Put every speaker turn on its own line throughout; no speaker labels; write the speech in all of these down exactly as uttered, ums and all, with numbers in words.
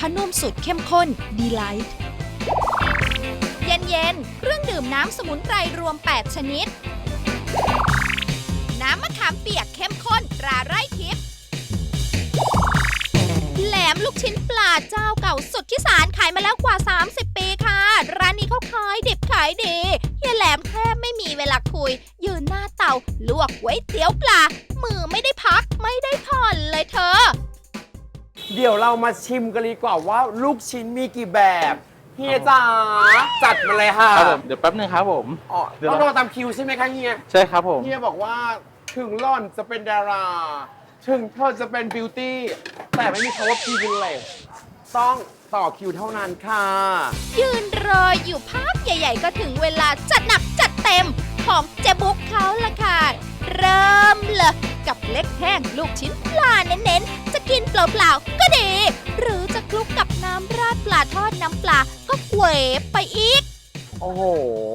ผ้านุ่มสูตรเข้มข้น Delight เย็นๆเครื่องดื่มน้ำสมุนไพรรวม แปด ชนิด น้ำมะขามเปียกเข้มข้นตราไร่ทิพย์แหลมลูกชิ้นปลาเจ้าเก่าสุดที่สารขายมาแล้วกว่า สามสิบ ปีค่ะ ร้านนี้เขาขายดิบขายดีเฮียแหลมแทบไม่มีเวลาคุย ยืนหน้าเตาลวกก๋วยเตี๋ยวปลา มือไม่ได้พักไม่ได้ผ่อนเลยเธอ
เดี๋ยวเรามาชิมกันดีกว่าว่าลูกชิ้นมีกี่แบบเฮียจ๋าจัดมาเลยค่ะ
ครับผมเดี๋ยวแป๊บนึงครับผม
อ๋อต้องรอตามคิวใช่ไหมคะเฮีย
ใช่ครับผม
เฮียบอกว่าถึงล่อนจะเป็นดารา ถึงเธอจะเป็นบิวตี้แต่ไม่มีคำว่าพรีเวลเลจต้องต่อคิวเท่านั้นค่ะ
ยืนรออยู่พักใหญ่ๆก็ถึงเวลาจัดหนักจัดเต็มของเจ๊บุ๊กเขาละค่ะ เริ่มเลยกับเล็กแห้งลูกชิ้นปลาเน้นๆ จะกินเปล่าๆก็ดี หรือจะคลุกกับน้ำราดปลาทอดน้ำปลาก็เวฟไปอีก
โอ้โห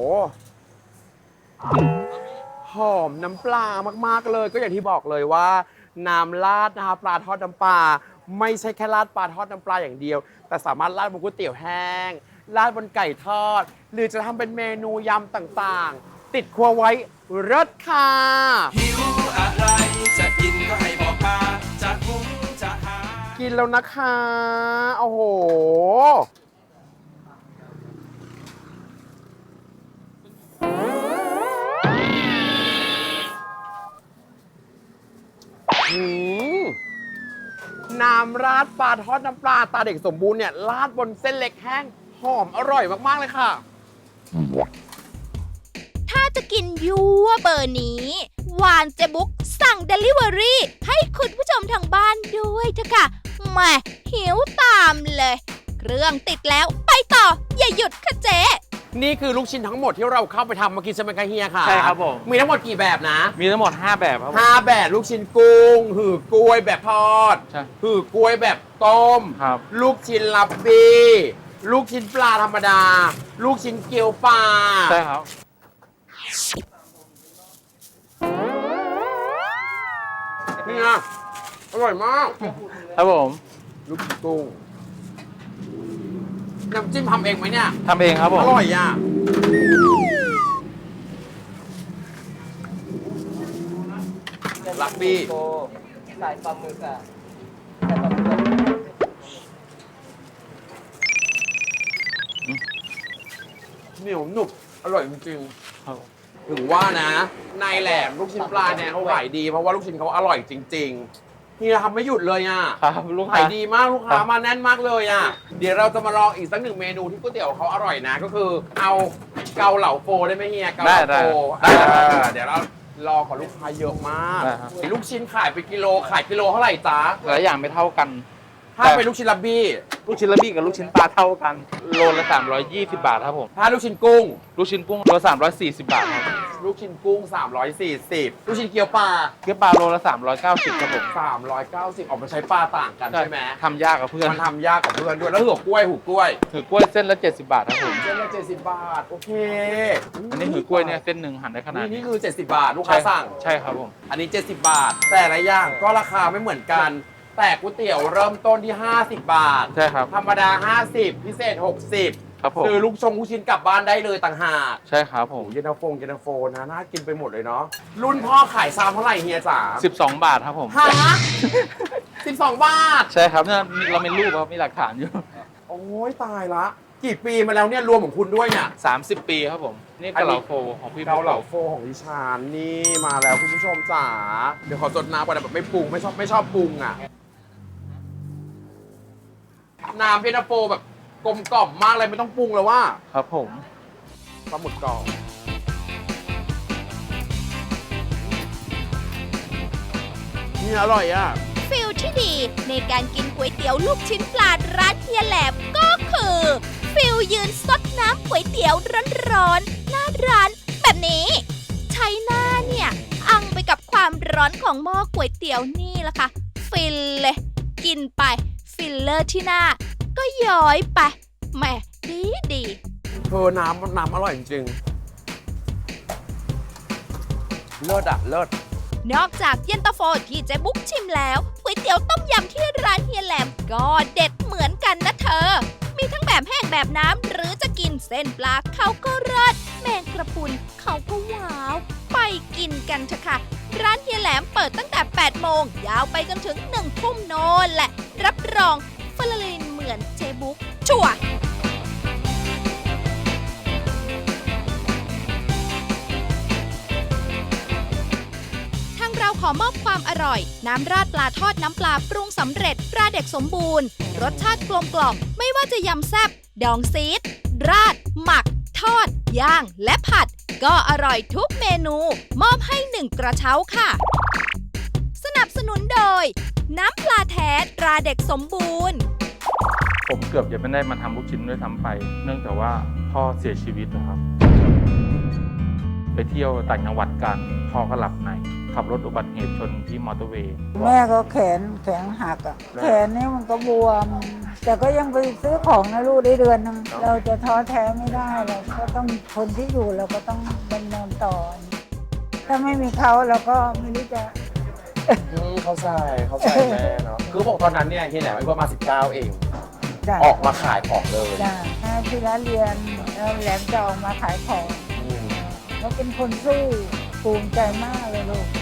หอมน้ำปลามากๆเลยก็อย่างที่บอกเลยว่า น้ำราดนะคะปลาทอดน้ำปลาไม่ใช่แค่ราดปลาทอดน้ำปลาอย่างเดียว แต่สามารถราดบนก๋วยเตี๋ยวแห้งราดบนไก่ทอด หรือจะทำเป็นเมนูยำต่างๆ ติดครัวไว้รสค่ะ
หิวอะไรจะกินก็ให้บอกมาจะหุงจะหา
กินแล้วนะคะ โอ้โห หืมน้ำราดปลาทอดน้ำปลาตาเด็กสมบูรณ์เนี่ยราดบนเส้นเล็กแห้งหอมอร่อยมาก ๆ เลยค่ะ
ถ้าจะกินยัวเบอร์นี้วานเจบุ๊กสั่ง Delivery ให้คุณผู้ชมทางบ้านด้วยเถอะค่ะแหม่หิวตามเลย เครื่องติดแล้วไปต่อ อย่าหยุดค่ะเจ๊
นี่คือลูกชิ้นทั้งหมดที่เราเข้าไปทำเมื่อกี้ใช่ไหมคะเฮียค่ะ
ใช่ครับผม
มีทั้งหมดกี่แบบนะ
มีทั้งหมดห้าแบบครับผม
ห้าแบบลูกชิ้นกุ้ง หือกล้วยแบบทอด
ใช่
หือกล้วยแบบต้ม
ครับ
ลูกชิ้นลับบี้ลูกชิ้นปลาธรรมดา ลูกชิ้นเกี๊ยวปลา
ใช่ครับ
นี่นะอร่อยมาก
ครับผม
ลูกชิ้นกุ้งน้ำจิ้มทำเองไหมเนี่ย
ทำเองครับผ
อ
ม
ร่อยอ่ะลักบี้
ใส่ปลาหมึกอ่ะใส่ปลาหมึก
เหนียวหนุบอร่อยจริง
ครับ
ๆถึงว่านะนายแหลมลูกชิ้นปลาเนี่ยเขาขายดีเพราะว่าลูกชิ้นเขาอร่อยจริงๆเฮียทำไม่หยุดเลยอ่ะ
ครับลูก
ขา
ค้าย
ดีมากลูกค้า
ครับ
มาแน่นมากเลยอ่ะ เดี๋ยวเราจะมาลองอีกสักหนึ่งเมนูที่ก๋วยเตี๋ยวเขาอร่อยนะ ก็คือเอาเกาเหลาโฟได้ไหมเฮียเกาเหลาโฟ
ได้ได้
อ่าเดี๋ยวเรารอก่อนลูกค้าเยอะมาก
ได้ครับ
ลูกชิ้นขายไปกิโลขายกิโลเท่าไหร่จ๊ะ
หลายอย่างไม่เท่ากัน
ถ้าเป็นลูกชิ้นลับบี้
ลูกชิ้นละบี้กับลูกชิ้นปลาเท่ากัน โลละสามร้อยยี่สิบบาทครับผม
ถ้าลูกชิ้นกุ้ง
ลูกชิ้นกุ้งโลละสามร้อยสี่สิบบาทครับ
ลูกชิ้นกุ้งสามร้อยสี่สิบลูกชิ้นเกี๊ยวปลา
เกี๊ยวปลาโลละสามร้อยเก้าสิบครับผม
สามร้อยเก้าสิบออกมาใช้ปลาต่างกันใช่ไหม
ทำยากกับเพื่อน
มันทำยากกับเพื่อนด้วยแล้วหือกล้วยหูกล้วย
หือกล้วยเส้นละเจ็ดสิบบาทครับผม
เส้นละเจ็ดสิบบาทโอเค
อันนี้หือกล้วยเนี่ยเส้นหนึ่งหั่นได้ขนาด
นี่
นี้
นี่คือเจ็ดสิบบาทลูกค้าสั่ง
ใช่ครับผม
อันนี้เจ็ดสิบบาท แต่ละอย่างก็ราคาไม่เหมือนกัน แต่ก๋วยเตี๋ยวเริ่มต้นที่ห้าสิบบาท
ใช่ครับ
ธรรมดาห้าสิบพิเศษหกสิบ
ครับผม
คือลูกชงลูกชิ้นกลับบ้านได้เลยต่างหาก
ใช่ครับผม
เย็นตาโฟเย็นตาโฟนะน่ากินไปหมดเลยเนาะรุ่นพ่อขายซามเท่าไหร่เฮียจ๋า
สิบสองบาทครับผม
ฮะสิบสองบาท
ใช่ครับเนี่ยเรามีรูปครับมีหลักฐานอยู่
โอ้ยตายละ กี่ปีมาแล้วเนี่ยรวมของคุณด้วยเนี่ย
สามสิบปีครับผม นี่เกาเหลาโฟของพี่
เกาเหลาโฟของดิฉันนี่มาแล้วคุณผู้ชมจ๋าเดี๋ยวขอสดน้ำก่อนนะแบบไม่ปรุงไม่ชอบไม่ชอบปรุงอ่ะน้ำเย็นตาโฟแบบกลมกล่อมมากเลยไม่ต้องปรุงแล้วว่า
ครับผม
ปลาหมึกกรอบนี่อร่อยอ่ะ
ฟิลที่ดีในการกินก๋วยเตี๋ยวลูกชิ้นปลาร้านเฮียแหลมก็คือฟิลยืนซดน้ำก๋วยเตี๋ยวร้อนๆหน้าร้านแบบนี้ ใช้หน้าเนี่ยอังไปกับความร้อนของหม้อก๋วยเตี๋ยวนี่แหละค่ะ ฟินเลย กินไปฟิลเลอร์ที่หน้า ก็ย้อยไปแหมดีดี
เธอน้ำน้ำอร่อยจริงๆเลิศอ่ะเลิศ
นอกจากเย็นตาโฟที่เจ๊บุ๊กชิมแล้วก๋วยเตี๋ยวต้มยำที่ร้านเฮียแหลมก็เด็ดเหมือนกันกันนะเธอ มีทั้งแบบแห้งแบบน้ำหรือจะกินเส้นปลาเขาก็เลิศแมงกระพรุนเขาก็ว้าว ไปกินกันเถอะค่ะ ร้านเฮียแหลมเปิดตั้งแต่ แปด โมง ยาวไปจนถึง หนึ่ง ทุ่มโน่นแหละ รับรองฟลาลินเหมือนเจบุ๊กชัวร์ ทางเราขอมอบความอร่อย น้ำราดปลาทอดน้ำปลาปรุงสำเร็จตราเด็กสมบูรณ์ รสชาติกลมกล่อมไม่ว่าจะยำแซบดองซีดราด หมัก ทอด ย่าง และผัด ก็อร่อยทุกเมนู มอบให้หนึ่งกระเช้าค่ะ สนับสนุนโดย น้ำปลาแท้ตราเด็กสมบูรณ์
ผมเกือบจะไม่ได้มาทำลูกชิ้นด้วยซ้ำไป เนื่องจากว่าพ่อเสียชีวิตนะครับ ไปเที่ยวต่างจังหวัดกันพ่อก็หลับในขับรถอุบัติเหตุชนที่มอเตอร์เวย์
แม่ก็แขนแขนหักอ่ะ แขนนี่มันก็บวม แต่ก็ยังไปซื้อของนะลูกได้เดือนนึงเราจะท้อแท้ไม่ได้เราก็ต้องคนที่อยู่เราก็ต้องดำเนินต่อ ถ้าไม่มีเขาเราก็ไม่รู้จะ
อืมเข้าใจเข้าใจแม่เนาะคือบอกตอนนั้นเนี่ยเฮียแหลมอายุประมาณสิบเก้าเอง
จ้ะ
ออกมาขายของเลย
จ้ะแม่ที่ร้านเรียนแล้วแหลมจะออกมาขายของ
อืม
แล้วเป็นคนสู้ภูมิใจมากเลยลูก